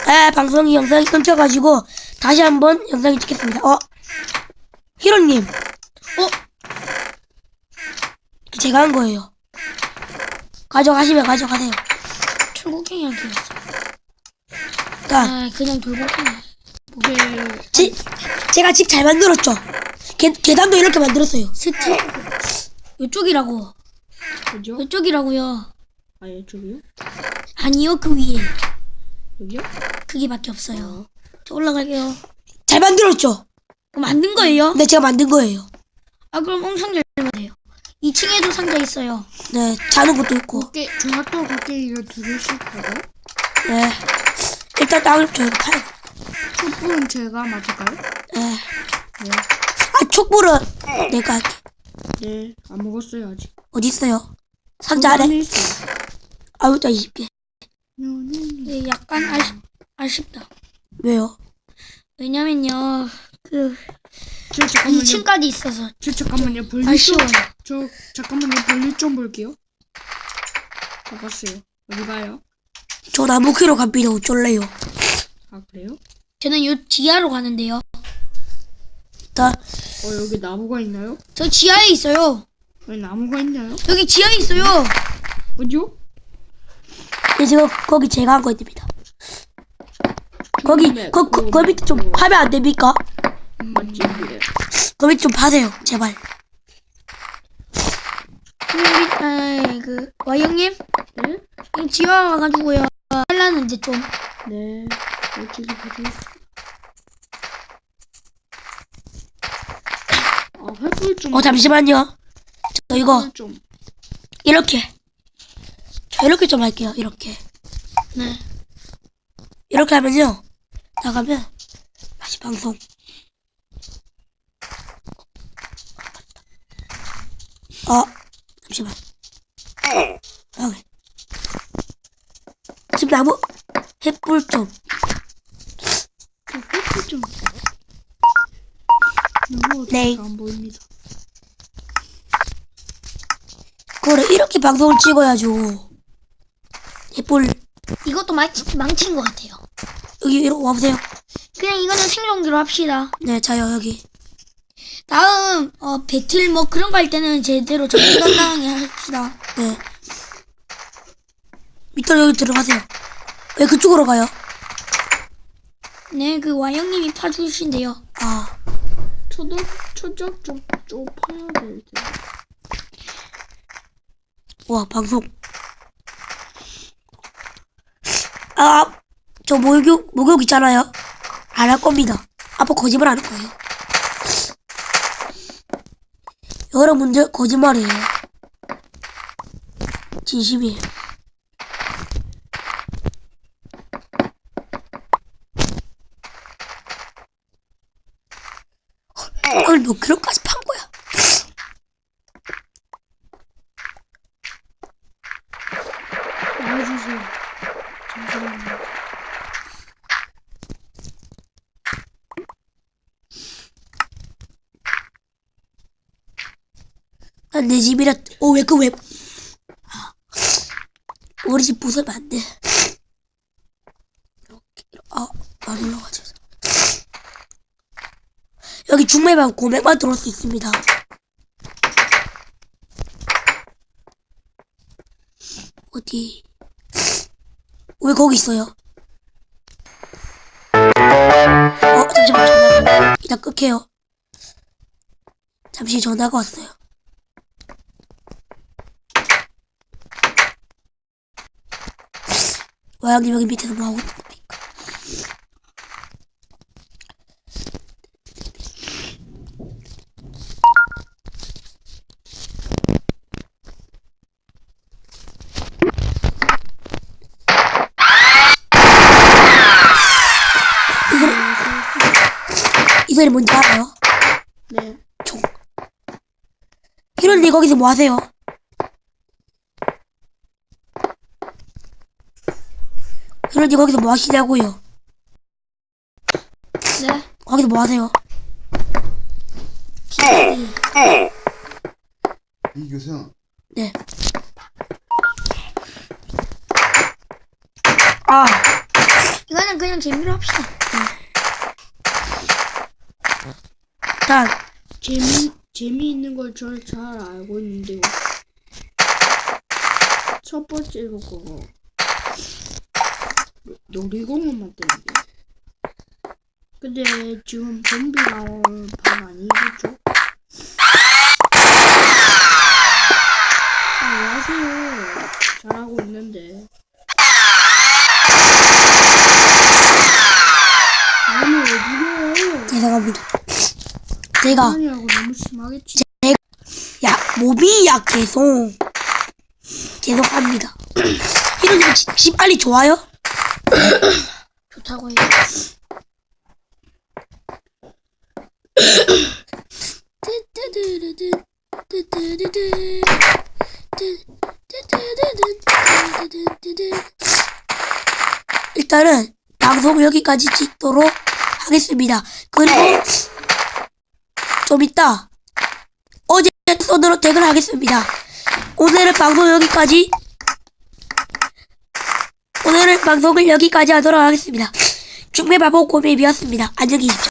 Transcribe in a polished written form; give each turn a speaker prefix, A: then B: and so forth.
A: 방송이 영상이 끊겨가지고 다시 한번 영상이 찍겠습니다. 히로님. 제가 한 거예요. 가져가시면 가져가세요.
B: 철곡갱이한테 왔어.
A: 자,
B: 그냥 돌고갱이.
A: 제가 집 잘 만들었죠. 계단도 이렇게 만들었어요.
B: 스텝. 이쪽이라고.
C: 그죠?
B: 이쪽이라고요.
C: 아, 이쪽이요?
B: 아니요, 그 위에.
C: 여기요?
B: 그게밖에 없어요. 저 올라갈게요.
A: 잘 만들었죠.
B: 만든 거예요?
A: 네, 제가 만든 거예요.
B: 그럼 엄청 잘 만들어요. 2층에도 상자 있어요.
A: 네, 자는 것도 있고.
C: 종합도 곡괭이가 2개씩 하고.
A: 네. 일단 땅을 저희가 파요.
C: 촛불은 제가 맡을까요?
A: 네.
C: 네.
A: 촛불은 내가 할게.
C: 네, 안 먹었어요, 아직.
A: 어디 있어요? 상자 안에?
C: 안에 있어요.
A: 자 20개.
B: 네, 약간 아쉽다.
A: 왜요?
B: 왜냐면요,
C: 저 잠깐만요.
B: 2층까지 있어서
C: 잠깐만요. 벌리
B: 아쉬워요.
C: 잠깐만요. 벌리 좀 볼게요. 잡았어요. 어디 가요?
A: 저 나무 캐러 갑니다. 어쩔래요?
C: 아, 그래요?
B: 저는 요 지하로 가는데요.
C: 여기 나무가 있나요?
B: 저 지하에 있어요.
C: 여기 나무가 있나요?
B: 여기 지하에 있어요.
C: 어디요?
A: 네, 지금 거기 제가 한 거입니다. 거기 밑에 좀 파면 안 됩니까?
C: 맞지? 그래.
A: 거 밑에 좀 파세요, 제발.
B: 와이형님?
C: 네?
B: 이 지하 와가지고요. 하려는데 좀.
C: 네. 어떻게 보지? 횃불 좀.
A: 잠시만요. 저 이거
C: 횃불 좀.
A: 이렇게. 저 이렇게 좀 할게요. 이렇게.
B: 네.
A: 이렇게 하면요. 나가면 다시 방송. 잠시만. 여기. 지금 나무 햇불 좀.
C: 횃불 좀. 너무
A: 네.
C: 어떻게 안 보입니다.
A: 그래 이렇게 방송을 찍어야죠. 햇불
B: 이것도 망친 것 같아요.
A: 여기 이렇게 와보세요.
B: 그냥 이거는 생존기로 합시다.
A: 네, 자요 여기.
B: 다음 배틀 뭐 그런 거 할 때는 제대로 정신건강하게 합시다.
A: 네. 밑으로 여기 들어가세요. 왜 그쪽으로 가요?
B: 네, 그 와형님이 파주신대요.
C: 초적 좀 파야 될 텐데.
A: 와, 방송. 저 목욕 있잖아요. 안 할 겁니다. 아빠 거짓말 하는 거예요. 여러분들 거짓말이에요. 진심이에요. 오늘 몇 킬로까지 판 거야?
C: 알려주세요. 잠시만요.
A: 난 내 집이라. 왜? 우리 집 부수면 안 돼. 이렇게. 안 올라가죠. 여기 중매만 고백만 들어올 수 있습니다. 어디? 왜 거기 있어요? 잠시만 전화. 이따 끌게요. 잠시 전화가 왔어요. 와양님 여기 밑에서 뭐 하고 있는 겁니까? 이 소리 뭔지 알아요?
C: 네.
A: 총. 히로님 거기서 뭐 하세요? 히로님 거기서 뭐 하시냐고요?
B: 네.
A: 거기서 뭐 하세요?
D: 이교생.
A: 네.
B: 이거는 그냥 재미로 합시다.
A: 일단
C: 재미있는 걸 잘 알고 있는데요. 첫 번째로 그거 놀이공원 만드는 게. 근데 지금 좀비 나올 반 아니겠죠? 아, 왜 하세요? 잘하고 있는데. 아니, 왜 죽여요?
A: 죄송합니다. 제가
C: 아니라고 너무 심하겠지.
A: 야 몸이 약해서 죄송합니다. 이런 집 빨리 좋아요?
B: 좋다고 해요.
A: 일단은 방송 여기까지 찍도록 하겠습니다. 그리고 좀 이따 어제 손으로 퇴근하겠습니다. 오늘은 방송을 여기까지 하도록 하겠습니다. 중매바보 고매비였습니다. 안녕히 계십시오.